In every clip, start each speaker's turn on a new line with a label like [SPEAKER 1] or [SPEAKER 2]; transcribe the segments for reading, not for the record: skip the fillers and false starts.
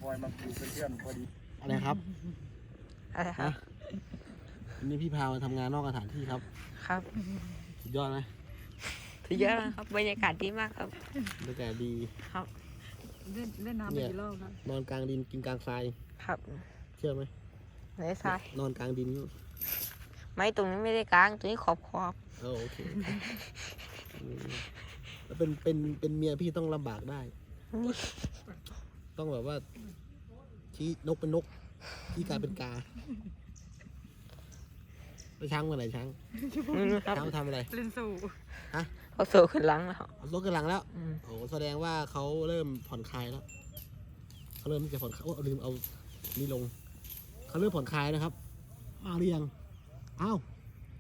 [SPEAKER 1] อยมาคุยเป็นเพื่อนพอดี
[SPEAKER 2] อะไรครับ
[SPEAKER 3] อะไรครับ
[SPEAKER 2] วันนี้พี่พามาทำงานนอกสถานที่ครับ
[SPEAKER 3] ครับ
[SPEAKER 2] สุดยอดไหม
[SPEAKER 3] ถือเยอะนะครับบรรยากาศดีมากครับ
[SPEAKER 2] บรรยากาศดี
[SPEAKER 3] ครับ
[SPEAKER 4] เล่นน้ำไปกี่รอบแล้ว
[SPEAKER 2] นอนกลางดินกินกลางทราย
[SPEAKER 3] ครับ
[SPEAKER 2] เชื่อไหม
[SPEAKER 3] ไหนทราย
[SPEAKER 2] นอนกลางดิน
[SPEAKER 3] ไม่ตรงนี้ไม่ได้กลางตรงนี้ขอบ
[SPEAKER 2] โอเคแล้วเป็นเมียพี่ต้องลำบากได้
[SPEAKER 3] นี่
[SPEAKER 2] ต้องแบบว่าชี้นกเป็นนกที่กลายเป็นกาแล้วช้างเมื่อไหร่ช้าง
[SPEAKER 3] ครับ
[SPEAKER 2] ช้างทำอะไร
[SPEAKER 4] เล่นสู่
[SPEAKER 3] เขาโซ่ขึ้นหลังแล้ว
[SPEAKER 2] เอารถกันหลังแล้ว
[SPEAKER 3] อืม
[SPEAKER 2] โอ้แสดงว่าเขาเริ่มผ่อนคลายแล้วเขาเริ่มที่จะผ่อนคลายเอาลืมเอานี่ลงเขาเริ่มผ่อนคลายนะครับมาหรือยังอ้าว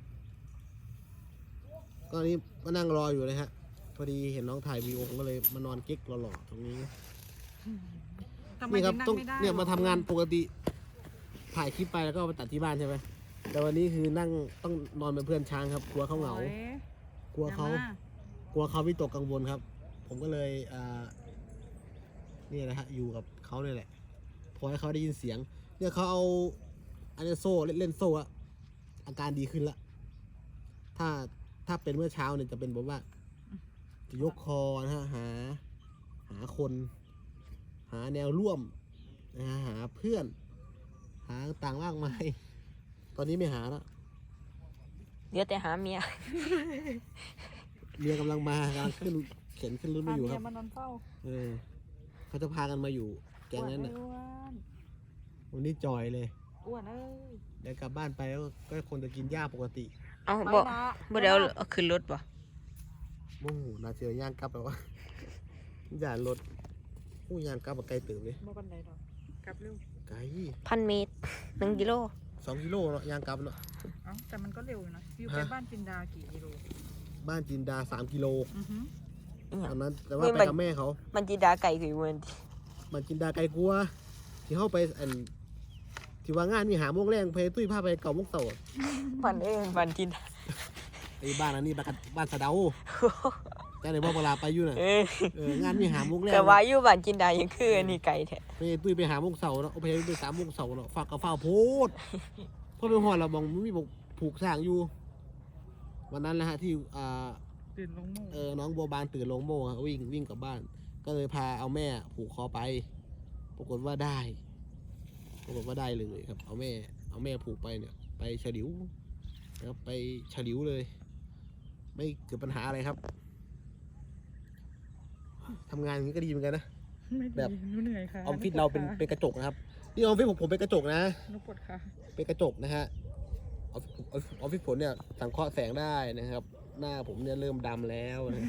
[SPEAKER 2] ก็นี้มานั่งรออยู่เลยฮะพอดีเห็นน้องถ่ายวีดีโอผมก็เลยมานอนกิ๊กหล่อๆตรงนี้
[SPEAKER 4] ทำไม
[SPEAKER 2] นี่ค
[SPEAKER 4] ถึ
[SPEAKER 2] รับ
[SPEAKER 4] งนั่
[SPEAKER 2] ต้อง
[SPEAKER 4] งไม่ได้
[SPEAKER 2] เนี่ยมาทำงานปกติถ่ายคลิปไปแล้วก็เอาไปตัดที่บ้านใช่ไหมแต่วันนี้คือนั่งต้องนอนเป็นเพื่อนช้างครับกลัวเขาเหงา
[SPEAKER 4] โอ้ย
[SPEAKER 2] กลัวเขา
[SPEAKER 4] อย่ม
[SPEAKER 2] กลัวเขาวิตกกังวลครับ ผมก็เลยนี่นะฮะอยู่กับเขาเนี่ยแหละพอให้เขาได้ยินเสียง เนี่ยเขาเอาอันนี้โซ่เล่นโซ่อะอาการดีขึ้นละถ้าเป็นเมื่อเช้าเนี่ยจะเป็นแบบว่าจะยกคอนะฮะหาคน หาแนวร่วมนะฮะหาเพื่อน หาต่างมากมายตอนนี้ไม่หาแล้ว
[SPEAKER 3] เดี๋ยวแต่หาเมีย
[SPEAKER 2] เมียกำลังมากำลังขึ้นเข็นขึ้นรถ
[SPEAKER 4] พา
[SPEAKER 2] มาอยู่
[SPEAKER 4] เมี
[SPEAKER 2] ค
[SPEAKER 4] ย
[SPEAKER 2] รับ
[SPEAKER 4] มานอนเฝ้า
[SPEAKER 2] เขาจะพากันมาอยู่แก๊งนั้น
[SPEAKER 4] อ้
[SPEAKER 2] น่ะ
[SPEAKER 4] วน
[SPEAKER 2] วันนี้จอยเลย
[SPEAKER 4] อ้วนเอ้ย
[SPEAKER 2] เดี๋ยวกลับบ้านไปก็คนจะกินหญ้าปกติ
[SPEAKER 3] เอา
[SPEAKER 4] ไป
[SPEAKER 3] บ่
[SPEAKER 4] นะ
[SPEAKER 3] บ่เดี๋ยวเอาขึ้นรถบ่
[SPEAKER 2] โอ้โหน่าเจอย่างกลับแล้ววะ ย่านรถโอ้ย่างกลับมาไกลตื่นเลย
[SPEAKER 4] บ่ปันไหนดอกกลับเร็ว
[SPEAKER 2] ไกล
[SPEAKER 3] 1,000 เมตร1 กิโล
[SPEAKER 2] 2 กิโลเนาะย่างกลับเนาะ
[SPEAKER 4] เอ้าแต่มันก็เร็วอยู่นะอยู่ไป
[SPEAKER 2] ฮะ
[SPEAKER 4] บ้านจินดากี่กิโล
[SPEAKER 2] บ้านจินดา3 กิโล
[SPEAKER 4] อือหือ
[SPEAKER 2] ตอนนั้นแต่ว่าไปกับแม่เขา
[SPEAKER 3] มันจีดาไก่คือวันที่
[SPEAKER 2] บ้านจินดาไกลกลัวที่เข้าไปที่ว่างานมีหาโมงแรงไปตุ้ยพาไปเก่าโมงเต่า
[SPEAKER 3] มันจีดา
[SPEAKER 2] ไอ้บ้านอันนี้บ้านสะเดาแต่ในบ่เวลาไปอยู่น่ะ งานมีหาโมงแรง
[SPEAKER 3] ก็ว่าอยู่บ้านจินดายังคืออันนี้ไก่แท้
[SPEAKER 2] ไปตุ้ยไปหาโมงเสาเนาะเอาไปไป3 โมงเสาเนาะฝากกับฝ้าโพดเพราะไปหอดเรามองมันมีบอกผูกสร้างอยู่ วันนั้นแหละฮะที่
[SPEAKER 4] ตื่นลงโม่
[SPEAKER 2] น้องบัวบานตื่นลงโม่ฮะวิ่งกลับบ้าน ก็เลยพาเอาแม่ผูกคอไป ปรากฏว่าได้เลยครับ เอาแม่ผูกไปเนี่ย ไปฉลิวนะครับไปฉลิวเลย ไม่เกิดปัญหาอะไรครับทำงานอย่างนี้ก็ดีเหมือนกันนะ
[SPEAKER 4] ไม่ดี
[SPEAKER 2] แบบ
[SPEAKER 4] หนูเหนื่อยค่ะ
[SPEAKER 2] ออฟฟิศเราเป็นกระจกนะครับนี่ออฟฟิศผมเป็นกระจกนะ
[SPEAKER 4] หนูปวดขา
[SPEAKER 2] เป็นกระจกนะฮะออฟฟิศผมเนี่ยสังเคราะห์แสงได้นะครับ หน้าผมเนี่ยเริ่มดำแล้วนะ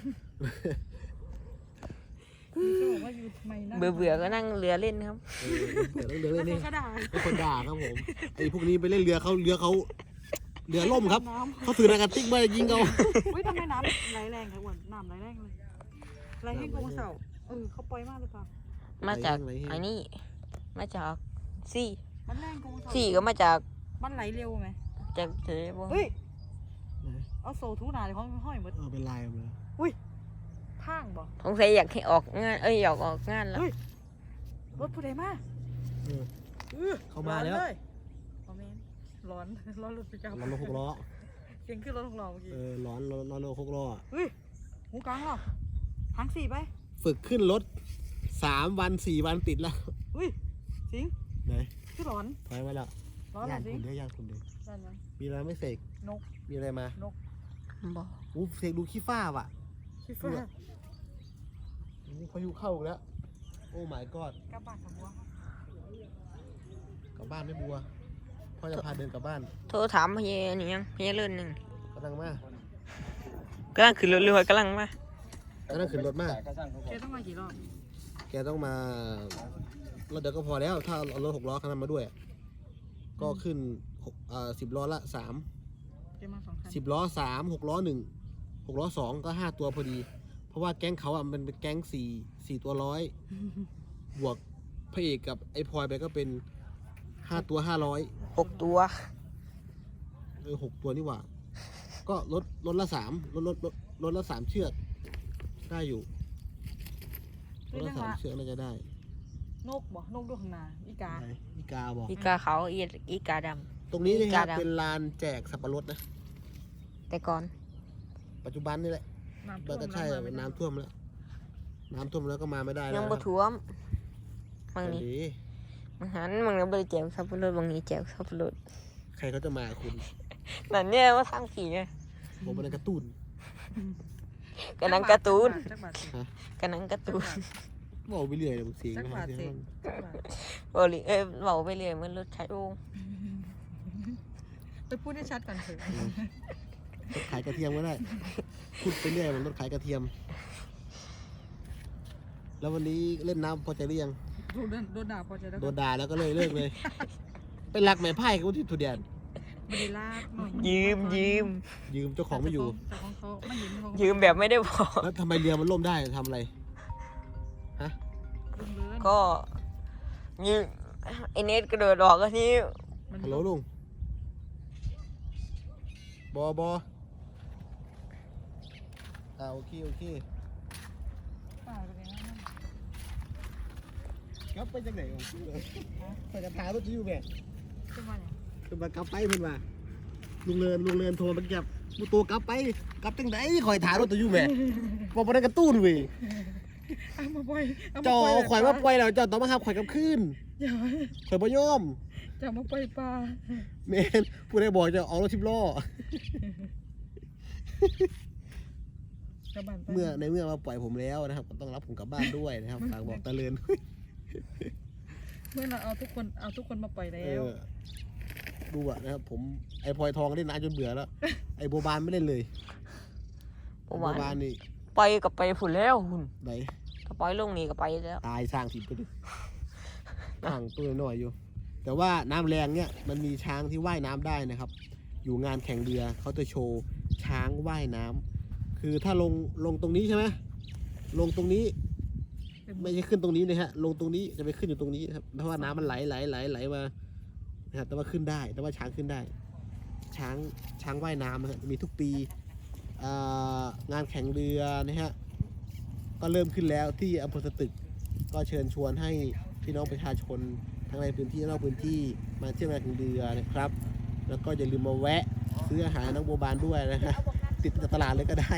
[SPEAKER 4] พี่ก็บอกว่าอยู่ทำไมนั่ง
[SPEAKER 3] เบื่อก็นั่งเรือเล่นครับ
[SPEAKER 2] เดี๋ยวเรือ
[SPEAKER 4] แล้
[SPEAKER 2] เล่
[SPEAKER 4] วน เขา
[SPEAKER 2] นี่
[SPEAKER 4] ก็ด่า
[SPEAKER 2] เป็นคนด่าครับผมไอ้พวกนี้ไปเล่นเรือเขาเรือล่มครับ
[SPEAKER 4] น้ำ
[SPEAKER 2] เขาถือนาการติ๊กมายิงเขา
[SPEAKER 4] อุ้ยทำไมน้ำไหลแรงค่ะอ้วนน้ำไหลแรงเลยไหลแห้งกว่าเสาเขาปล่อยมากเลยค่ะ
[SPEAKER 3] มาจากอันนี้ มาจากซี่
[SPEAKER 4] มันแรงกว่าเสา
[SPEAKER 3] ซี่ก็มาจาก
[SPEAKER 4] มันไหลเร็วไหม
[SPEAKER 3] จากทะเลบ่
[SPEAKER 4] เฮ้ยเอาโซ่ทูหนาเลยเขาห้อยหมด
[SPEAKER 2] เป็นลายมา
[SPEAKER 4] ข้างบ่
[SPEAKER 3] สงสัยอยากให้ออกงานอยากออกงานแล้ว
[SPEAKER 4] รถผู้ใดมา
[SPEAKER 2] เข้ามาแล้ว
[SPEAKER 4] คอมเมนต์ร้อนรถปิกอัพ
[SPEAKER 2] ร้อนรถ6 ล้อ
[SPEAKER 4] เสียงขึ้นรถของเราเมื่อกี้
[SPEAKER 2] ร้อนรถ6 ล้อ
[SPEAKER 4] หูกลางเหรอทางสี่ไป
[SPEAKER 2] ฝึกขึ้นรถ3 วัน4 วันติดแล้ว
[SPEAKER 4] สิง
[SPEAKER 2] ไหน
[SPEAKER 4] คือร้อน
[SPEAKER 2] ถอยมาแล้ว
[SPEAKER 4] ร้อนเหร
[SPEAKER 2] ย่า
[SPEAKER 4] อง สิ
[SPEAKER 2] คุ
[SPEAKER 4] ง
[SPEAKER 2] ณเด้อย่างคุณเด้
[SPEAKER 4] ร้อนยัง
[SPEAKER 2] มีอะไรไม่เสก
[SPEAKER 4] นก
[SPEAKER 2] มีอะไรมา
[SPEAKER 3] บ่
[SPEAKER 2] อู้เสกดูขี้ฟ้าว่ะ
[SPEAKER 4] ชิฟ้า
[SPEAKER 2] พายุเข้าอีกแล้ว โอ้ my god
[SPEAKER 4] กลับบ้านกับบัว
[SPEAKER 2] กลับบ้านไม่บัวพ่อจะพาเดินกลับบ้าน
[SPEAKER 3] โทรถามพี่นี่ยังพี่เลื่อนหนึ่ง
[SPEAKER 2] กำลังมาก
[SPEAKER 3] ำลังขึ้นรถเรือกำลังมา
[SPEAKER 2] กำลังขึ้นรถมาก
[SPEAKER 4] แกต้องมากี่รอบ
[SPEAKER 2] แกต้องมารถเดียวก็พอแล้ว ถ้าเอารถ6 ล้อคันนั้นมาด้วย ก็ขึ้น10 ล้อละ3
[SPEAKER 4] แกมา2 คัน
[SPEAKER 2] 10 ล้อ3 6 ล้อ1 6 ล้อ2ก็5 ตัวพอดี เพราะว่าแก๊งเขาอ่ะมันเป็นแก๊ง4 ตัวร้อยบวกพระเอกกับไอ้พลอยไปก็เป็น5 ตัว500
[SPEAKER 3] 6 ตัว
[SPEAKER 2] 6 ตัวนี่หว่า ก็รถละ3รถละ3 เชือกได้อยู่รถละ3 เชือกน่าจะได้
[SPEAKER 4] งนกบ่นกด้วยข้างหน้าอีกา
[SPEAKER 2] ไหนอีกาบอก
[SPEAKER 3] อีกาเขาอีกาด
[SPEAKER 2] ตรงนี้นะครั
[SPEAKER 3] อีกาดำ
[SPEAKER 2] บเป็นลานแจกสับปะรดนะ
[SPEAKER 3] ำแต่ก่อน
[SPEAKER 2] ปัจจุบันนี่แหละ
[SPEAKER 4] น้ำท่
[SPEAKER 2] มั
[SPEAKER 4] วน ม
[SPEAKER 2] ก็ใช่
[SPEAKER 4] แล้วมาไม่ได้
[SPEAKER 2] น้ำท่วมแล้วน้ำท่วมแล้วก็มาไม่ได้
[SPEAKER 3] ยั
[SPEAKER 2] แล้ว
[SPEAKER 3] ง
[SPEAKER 2] นะ
[SPEAKER 3] บ่
[SPEAKER 2] ครับ
[SPEAKER 3] ท่วมบาง
[SPEAKER 2] อัน
[SPEAKER 3] นี้
[SPEAKER 2] นี้
[SPEAKER 3] บางหันบางนี้บ่ได้แจกสับปะรดบางนี้แจกสับปะรด
[SPEAKER 2] ใครเขาจะมาคุณ
[SPEAKER 3] นั่นเนี่ยว่าทางผีไง
[SPEAKER 2] ผมเป็นการ์ตูน
[SPEAKER 3] กะนังการ์ตูน
[SPEAKER 4] จักบาทสิ
[SPEAKER 3] กะนังการ์ตูน
[SPEAKER 2] บอกไปเรื่อยเลยบางเสียง
[SPEAKER 4] จัก
[SPEAKER 2] นะ
[SPEAKER 4] บาท
[SPEAKER 2] เสี
[SPEAKER 4] สิ
[SPEAKER 2] ยง
[SPEAKER 4] จักบาท
[SPEAKER 3] บ่ลิเว้าไปเรื่อยเหมันรถไถโอ่ง
[SPEAKER 4] ไปพูดให้ชัดก่อนเถอะ
[SPEAKER 2] รถขายกระเทียมก็ได้พูดไปเรื่อยมันรถขายกระเทียม แล้ววันนี้เล่นน้ำพอใจหรือยัง
[SPEAKER 4] โดนด่าพอจะได้
[SPEAKER 2] โดนด่าแล้วก็เลยเลิกเลย ไปรักแม่ไพ่กับที่ทุเดียน
[SPEAKER 4] ไม่ได้ลากหน่อย
[SPEAKER 3] ยืม
[SPEAKER 2] ยืมเจ้าของไม่อยู่
[SPEAKER 4] แต่ของเขาไม่เห็นเขา
[SPEAKER 3] ยืมแบบไม่ได้บอก
[SPEAKER 2] แล้วทำไมเรือมันล่มได้ทำอะไร
[SPEAKER 4] ลุงเลิน
[SPEAKER 3] ก็ยืมไอเน็ตกระโดดออกก็ที่
[SPEAKER 4] มัน
[SPEAKER 2] ฮัลโหลลุงบอโอเค
[SPEAKER 4] ป่าไปเลยนะ
[SPEAKER 2] กลับไปจากไหนของพี่เลยใส่กระถางรถจะอยู่แบบ
[SPEAKER 4] ขึ้นมาเนี่ย
[SPEAKER 2] คือมากลับไปเพิ่นว่าลุงเลินโทรมาเก็บมูตัวกลับไปกลับจังไดคอยถามรถจะอยู่แบบบอกบ่ได้กระตุ้นเว้ย
[SPEAKER 4] เอามาปล่อยเอา
[SPEAKER 2] เจ้า
[SPEAKER 4] มาปล่อย
[SPEAKER 2] เอาข่อยมาปล่อยแล้วเจ้าต้องมาหาข่อยกลับคืน
[SPEAKER 4] อย่า
[SPEAKER 2] ข่อยบ่ยอม
[SPEAKER 4] จะมาปล่อยปลา
[SPEAKER 2] แม่นผู้ใดบอกจะเอารถ10 ล้อ
[SPEAKER 4] กระบาดไป
[SPEAKER 2] เมื่อมาปล่อยผมแล้วนะครับก็ต้องรับผมกลับบ้านด้วยนะครับฝากบอกตาเลิน
[SPEAKER 4] เมื่อเราเอาทุกคนมาปล่อยแล้
[SPEAKER 2] เอ
[SPEAKER 4] ว
[SPEAKER 2] อดูอะนะครับผมไอ้พลอยทองเล่นนานจนเบื่อแล้ว ไอ้โบบานไม่เล่นเลย
[SPEAKER 3] บ่
[SPEAKER 2] โบ
[SPEAKER 3] ว่า
[SPEAKER 2] บานนี่
[SPEAKER 3] ไปกับไปพุ่นแล้วหุ่น
[SPEAKER 2] ไหน
[SPEAKER 3] ก็ปล่อยลงนี่ก็ไปแล้ว
[SPEAKER 2] ตายสร้างถิ่นไปดิห่างตัวน้อยอยู่ แต่ว่าน้ำแรงเนี่ยมันมีช้างที่ว่ายน้ำได้นะครับ อยู่งานแข่งเรือเขาจะโชว์ช้างว่ายน้ำคือถ้าลงตรงนี้ใช่ไหมลงตรงนี้ ไม่ใช่ขึ้นตรงนี้นะฮะลงตรงนี้จะไปขึ้นอยู่ตรงนี้ครับเพราะว่าน้ำมันไหลมานะครับแต่ว่าขึ้นได้แต่ว่าช้างขึ้นได้ ช้างว่ายน้ำนะฮะมีทุกปีงานแข่งเรือนะฮะก็เริ่มขึ้นแล้วที่อำเภอสตึกก็เชิญชวนให้พี่น้องประชาชนทั้งในพื้นที่และนอกพื้นที่มาเที่ยวงานแข่งเรือนะครับ แล้วก็อย่าลืมมาแวะซื้ออาหารน้องโบบานด้วยนะฮะติดจากตลาดเลยก็ได้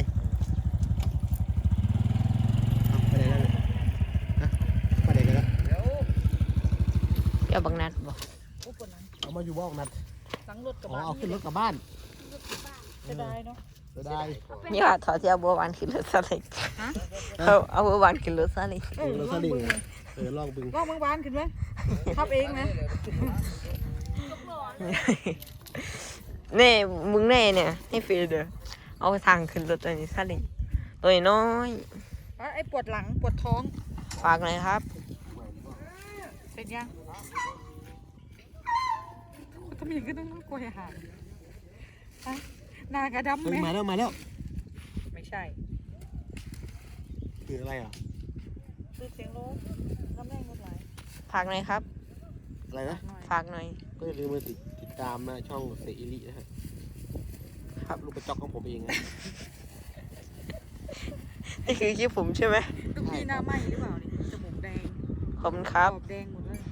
[SPEAKER 2] เอาไปไหนแล้วเนี่ยฮะไปไหนกันแล้ว
[SPEAKER 3] เดี๋ยวบังนัดบอก
[SPEAKER 4] โอ้ปวดหลัง
[SPEAKER 2] เอามาอยู่บ้านนัด
[SPEAKER 4] หลังรถกระ
[SPEAKER 2] อ๋อบ
[SPEAKER 4] ะ
[SPEAKER 2] เอาขึ้นรถกลับบ้าน
[SPEAKER 4] จะได้เนาะ
[SPEAKER 2] จะได้
[SPEAKER 3] นี่ว่าถอดเที่ยวบัวบานขึ้นรถซาเล้ง
[SPEAKER 4] ฮะ
[SPEAKER 3] เอาบัวบานขึ้นรถซาเล้ง
[SPEAKER 2] รถซาเล้งลองบึง
[SPEAKER 4] ลองเมืองบ้านขึ้นไหมขับเองนะ
[SPEAKER 3] แน่มึงแน่เนี่ยให้ฟรีเด้อเอาทางขึ้นรถตัวนี้ซาเล้งตัวน้อย
[SPEAKER 4] ไอ้ปวดหลังปวดท้อง
[SPEAKER 3] ฝากหน่อยครับ
[SPEAKER 4] เสร็จยังทำไมยังก็ต้องกลัวอาหารฮะหนากระดำไหม
[SPEAKER 2] มาแล้ว
[SPEAKER 4] ไม่ใช่
[SPEAKER 2] คืออะไรอ่ะ
[SPEAKER 4] คือเสียงรถน้ำแรงรถไหล
[SPEAKER 3] ฝากหน่อยครับ
[SPEAKER 2] อะไรนะ
[SPEAKER 4] หน่อย
[SPEAKER 3] ฝากหน่อย
[SPEAKER 2] ก็อย่าลืมมาติดตามนะช่องเสอิรินะฮะครับลูกกระจอกของผมเองนะ
[SPEAKER 3] นี่คือคลิปผมใช่ไหม
[SPEAKER 4] ลูกพี่หน้าไหมหรือเปล่านี่จมูกแดง
[SPEAKER 3] ขอบคุณครับ
[SPEAKER 4] ขอบแดงหมดเลย